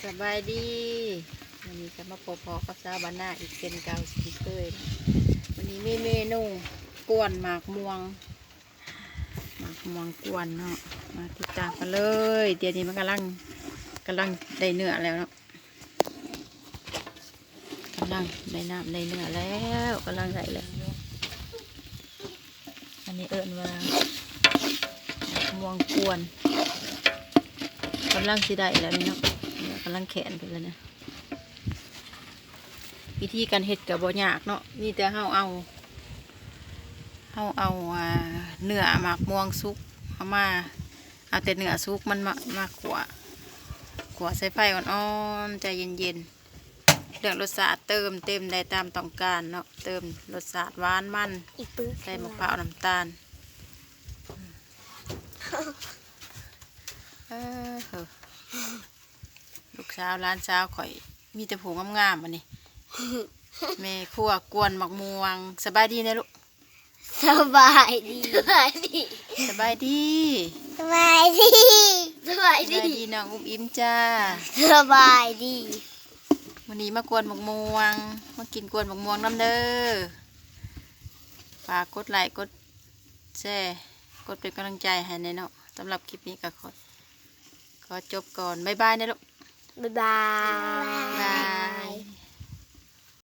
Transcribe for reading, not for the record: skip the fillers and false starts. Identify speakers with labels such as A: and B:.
A: สบายดีวันนี้จะมาพบกับสาวบ้านนาอีกเป็นเก่าสิเคยนะวันนี้มีเมนูกวนหมากม่วงกวนเนาะมาติดตามกันเลยเดี๋ยวนี้มันกำลังได้เนื้อแล้วเนาะกำลังได้น้ำได้เนื้อแล้วกำลังได้แล้วอันนี้เอิ้นว่าหมากม่วงกวนกำลังสิได้แล้วนี่เนาะกำลังแขนไปแล้วเนี่ยวิธีการเฮ็ดกับบ่ยากเนาะนี่แต่เฮาเอาเนื้อหมากม่วงสุกเอาแต่เนื้อสุกมันมาขัวใส่ไฟอ่อนๆใจเย็นๆเรื่องรสชาติเติมเต็มได้ตามต้องการเนาะเติมรสชาติหวานมันใส่มะพร้าวน้ำตาลลูกสาวร้านสาวข่อยมีแต่ผูงามๆอันนี้แม่ครัวกวนหมักม่วงสบายดีนะลูก
B: สบายดีสบายดี
A: สบายดี
B: สบายดีสบาย
A: ส
B: ดี
A: บายดีน้องอุ้มอิ่มจ้า
B: สบายดี
A: วันนี้มากวนหมักม่วงมากินกวนหมักม่วงน้ำเด้อฝากกดไลค์กดแชร์กดเป็นกำลังใจให้ในเนาะสำหรับคลิปนี้ก็ขอจบก่อนบ๊ายบายนะลูก
B: บ๊ายบาย
A: บ๊ายบาย